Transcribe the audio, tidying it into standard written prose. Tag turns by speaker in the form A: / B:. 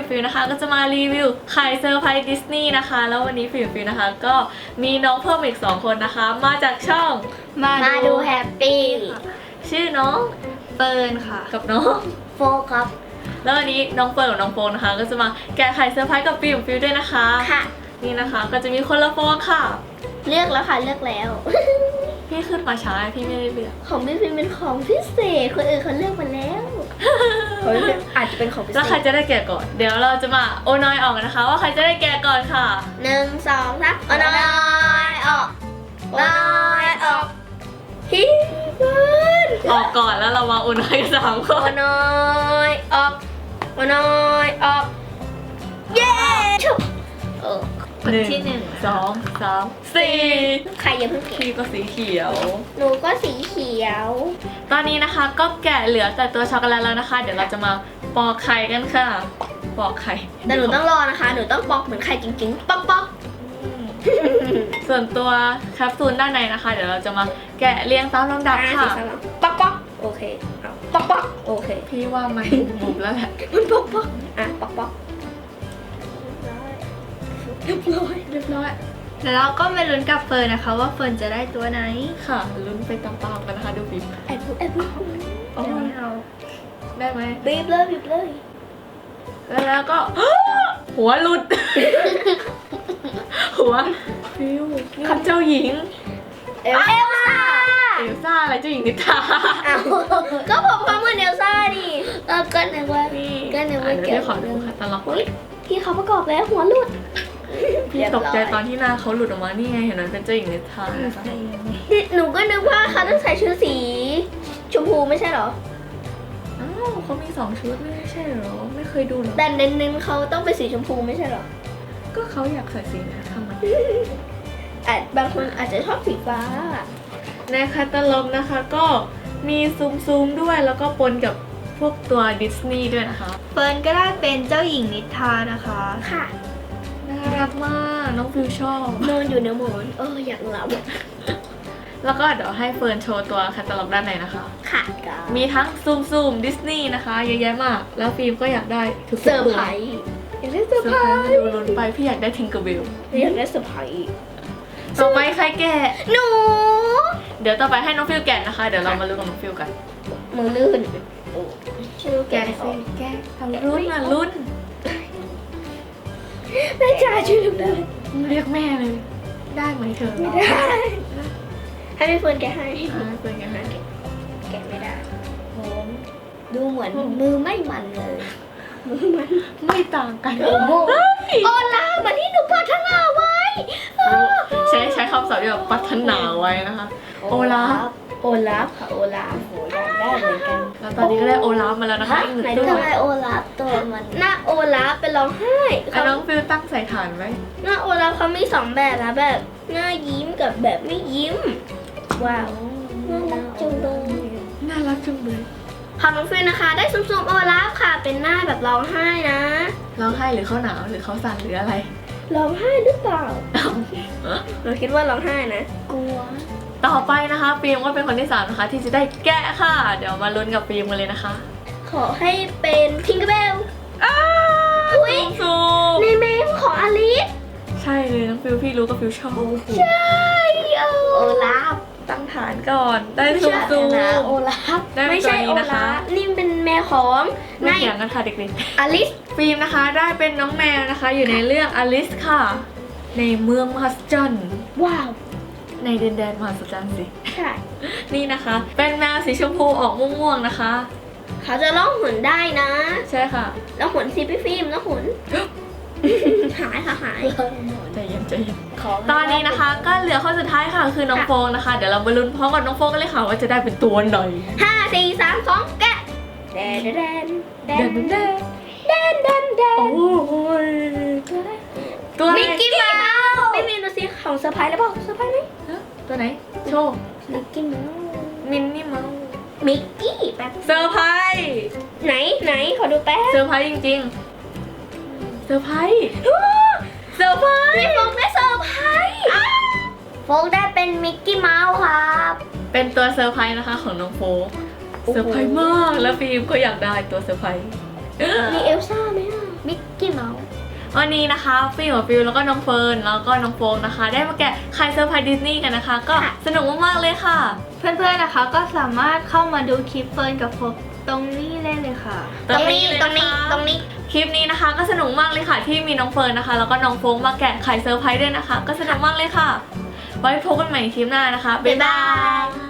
A: กับฟิวนะคะก็จะมารีวิวไข่เซอร์ไพรส์ดิสนีย์นะคะแล้ววันนี้ฟิวนะคะก็มีน้องเพิ่มอีก2คนนะคะมาจากช่อง
B: มาดูแฮปปี้
A: ชื่อน้อง
B: เฟิร์นค่ะ
A: กับน้อง
B: โฟครับ
A: แล้ววันนี้น้องเฟิร์นกับน้องโฟนนะคะก็จะมาแกะไข่เซอร์ไพรส์กับฟิวด้วยนะคะ
B: ค่ะ
A: นี่นะคะก็จะมีคนละฟองค่ะ
B: เลือกแล้วค่ะเลือกแล้ว
A: พี่ขึ้นมาช้าพี่ไม่ได้เลือก
B: ของพี่ฟิล์มเป็นของพิเศษคนอื่นเขาเลือกมาแล้วอาจจะเป็นของพิเศษ
A: แล้วใครจะได้แกะก่อนเดี๋ยวเราจะมาโอนอยออกกันนะคะ ว่าใครจะได้แกะก่อนค่ะ
B: 1 2 3เอาน้อยออกน้อยออกฮิเฟิร์น
A: ออกก่อนแล้วเรามาโอนอยกัน3 คน
B: เอาน้อยออกเอาน้อยออกเย้ชุบคนที่หนึ่ง
A: 2 3 4
B: ใครอย่าเพิ่งเก็บ
A: พี่ก็สีเขียว
B: หนูก็สีเขียว
A: ตอนนี้นะคะก็แกะเหลือแต่ตัวช็อกโกแลตแล้วนะคะ เดี๋ยวเราจะมาปอกไข่กันค่ะปอกไข่
B: แต่หนูต้องรอนะคะ หนูต้องปอกเหมือนไข่จริงๆ ป๊อกป๊อก
A: ส่วนตัวแคปซูลด้านในนะคะ เดี๋ยวเราจะมาแกะเรียงตามลำดับค่ะ
B: ป๊อกป๊อกโอเคเอาป๊อกป๊อกโอเค
A: พี่ว่ามันบุบแล้วแหละ
B: มันป๊อกป๊อกอ่ะป๊อกป๊อกเรียบร้อย
A: เรียบร้อย
B: แล้วเราก็มาลุ้นกับเฟิร์นนะคะ ว่าเฟิร์นจะได้ตัวไหน
A: ค่ะลุ้นไปตามๆกันนะคะดูฟิล์ม
B: แอบ
A: โอ้
B: เอา
A: ย
B: เอา
A: ได้ไหม
B: บีบเลยบีบเลย
A: แล้วก็ หัวหลุด หัวฟิวนี่เจ้าหญิง
B: เอลซ่า
A: เอลซ่าอะไรเจ้าหญิงนิทรา
B: เอาก็ผมเขาเหมือนเอลซ่าดิก็นึกว่า
A: นี่
B: ก็นึกว่า
A: เดี๋ยวพี่ขอดูค่ะตลก
B: อุ๊ยพี่เขาประกอบแล้วหัวหลุด
A: พี่ตกใจตอนที่หน้าเขาหลุดออกมานี่ไงเห็นไหมเป็นเจ้าหญิงนิทรานะคะ
B: หนูก็นึกว่าเขาต้องใส่ชุดสีชมพูไม่ใช่เหรอ
A: อ้าวเขามี2 ชุดไม่ใช่เหรอไม่เคยดูเหรอ
B: แต่เน้นๆเขาต้องเป็นสีชมพูไม่ใช่เหรอ
A: ก็เขาอยากใส่สีนี้ทำไม
B: บางคนอาจจะชอบสีฟ้า
A: ในคาตาล็อกนะคะก็มีซูมด้วยแล้วก็ปนกับพวกตัวดิสนีย์ด้วยนะคะ
C: เฟิร์นก็ได้เป็นเจ้าหญิงนิทรานะคะ
B: ค่ะ
A: น่ารักมากน้องฟิวชอบ
B: นอนอยู่ในหมอนอยากหลับ
A: แล้วก็เดี๋ยวให้เฟิร์นโชว์ตัวคาตาล็อกด้านในนะคะ
B: ค่ะ
A: มีทั้งซูมดิสนีย์นะคะเยอะแยะมากแล้วฟิล์มก็อยากได้ทุก
B: เซอร์ไพรส์อยากได้เซอร์
A: เซอ
B: ไพร
A: ร์ไพรส์
B: ส์
A: ดูลุ้นไปพี่อยากได้ทิงเกอร์เบล
B: อยากได้เซอร์ไพรส์
A: ต่อไปใครแกะ
B: หนู
A: เดี๋ยวต่อไปให้น้องฟิวแกะนะคะเดี๋ยวเรามาลุ้นกับน้องฟิวกัน
B: มือลื่นชื่อแก
A: แกะสิแกะทำรุ่นอ่ะรุ่น
B: แม่จ๋าช่วยลูกด้วย
A: เรียกแม่เลย ได้ไหมเธอ
B: ไม่ได้ให้พี่เฟิร์นแกะให้
A: เฟิร์นแกะให้
B: แกะไม่ได้โหดูเหมือนมือไม่มันเลยมือมัน
A: ไม่ต่างกัน
B: โอ้โหโอลาเหมือนที่หนูปรารถนาไว้
A: ใช้คำศัพท์ที่แบบปรารถนาไว้นะคะ โอลาฟ
B: โอลาฟค่ะโอลาฟโหอยากได้เหมือนกัน
A: แล้วตอนนี้ก็ได้โอลาฟมาแล้วนะคะอีกหนึ่ง
B: ไหน
A: ตั
B: ดู
A: ว
B: ทำไมโอลาฟตัวมันหน้าโอลาฟเป็นร้องไห้
A: อ่ะน้องฟิวตั้งใส่ฐานไว้
B: หน้าโอลาฟเขามี2แบบนะแบบหน้ายิ้มกับแบบไม่ยิ้มว้าวน่ารักจังเลย
A: น่ารักจังเลย
B: ของน้องฟิวนะคะ ได้ซุ่มๆโอลาฟค่ะ เป็นหน้าแบบร้องไห้นะ
A: ร้องไห้หรือเขาหนาวหรือเขาสั่นหรืออะไร
B: ร้องไห้หรือเปล่าเราคิดว่าร้องไห้นะกลัว
A: ต่อไปนะคะฟิล์มก็เป็นคนที่3นะคะที่จะได้แกะค่ะ เดี๋ยวมาลุ้นกับฟิล์มกันเลยนะคะ
B: ขอให้เป็นทิงเกอร์เบล อุ๊ย
A: ซูม
B: ในเมมของอลิส
A: ใช่เลยน้องฟิวพี่รู้กับฟิวชอบ
B: ใช่โอลาฟ
A: ตั้งฐานก่อนได้ซูม
B: โอลาฟ
A: ได้เป็น
B: ไม่ใช่
A: ตัวนี้
B: โอ
A: นะคะ
B: ลาฟนี่เป็นแมวของ
A: ไม่
B: นาย
A: เถียงกันค่ะเด็ก
B: อลิส
A: ๆฟิล์มนะคะได้เป็นน้องแมวนะคะ อยู่ในเรื่องอลิสค่ะ ในเมืองมหัศจรรย์
B: ว้าว
A: ในดินแดนมหัศจรรย์สิ
B: ใช่
A: นี่นะคะ เป็นแมวสีชมพูออกม่วงๆนะคะ
B: เขาจะล่องหนได้นะ
A: ใช่ค่ะ
B: แล้วหนสิพี่ฟิล์มแล้วหน หายค่ะหาย
A: ใจเย็นตอนนี้นะคะ ก็เหลือข้อสุดท้ายค่ะคือน้องโฟงนะคะ เดี๋ยวเรามาลุ้นพร้อมกับน้องโฟงกันเลยค่ะว่าจะได้เป็นตัวไหน
B: 5 4 3 2 แกะแดนแดนแดน
A: เด่น
B: แดนแดนแดน
A: โอ้ยตัวไหน
B: มิกกี้เมาส์ไม่มีดูสิของเซอร์ไพรส์แล้วเปล่าเซอร์ไพรส์ไหม
A: ตัวไหนโชว์
B: มิกกี้เมาส์
A: มินนี่เมาส์
B: มิกกี้แป๊บ
A: เซอร์ไพรส์
B: ไหนขอดูแป๊บ
A: เซอร์ไพรส์จริงๆเซอร์ไพรส์เซอร์ไพรส์
B: พี่โฟกได้เซอร์ไพรส์โฟกได้เป็นมิกกี้เมาส์ครับ
A: เป็นตัวเซอร์ไพรส์นะคะของน้องโฟก
B: โอ้โห
A: เซอร์ไพรส์มากแล้วฟิล์มก็อยากได้ตัวเซอร์ไพรส์
B: มีเอลซ่าไหมอ่ะมิกกี้
A: วันนี้นะคะฟิวกับฟิวแล้วก็น้องเฟิร์นแล้วก็น้องโฟกนะคะ ได้มาแกะไข่เซอร์ไพรส์ดิสนีย์กันนะคะ ก็สนุกมากๆเลยค่ะ
C: เพื่อนๆนะคะก็สามารถเข้ามาดูคลิปเฟิร์นกับโฟกตรงนี้ได้เลยค่ะ
B: ตรงนี้
A: เลย
B: ตรงนี้
A: นะคะ
B: ตรงนี้
A: คลิปนี้นะคะก็สนุกมากเลยค่ะ ที่มีน้องเฟิร์นนะคะ แล้วก็น้องโฟกมาแกะไข่เซอร์ไพรส์ด้วยนะคะ ก็สนุกมากเลยค่ะ ไว้พบกันใหม่คลิปหน้านะคะ บ๊ายบาย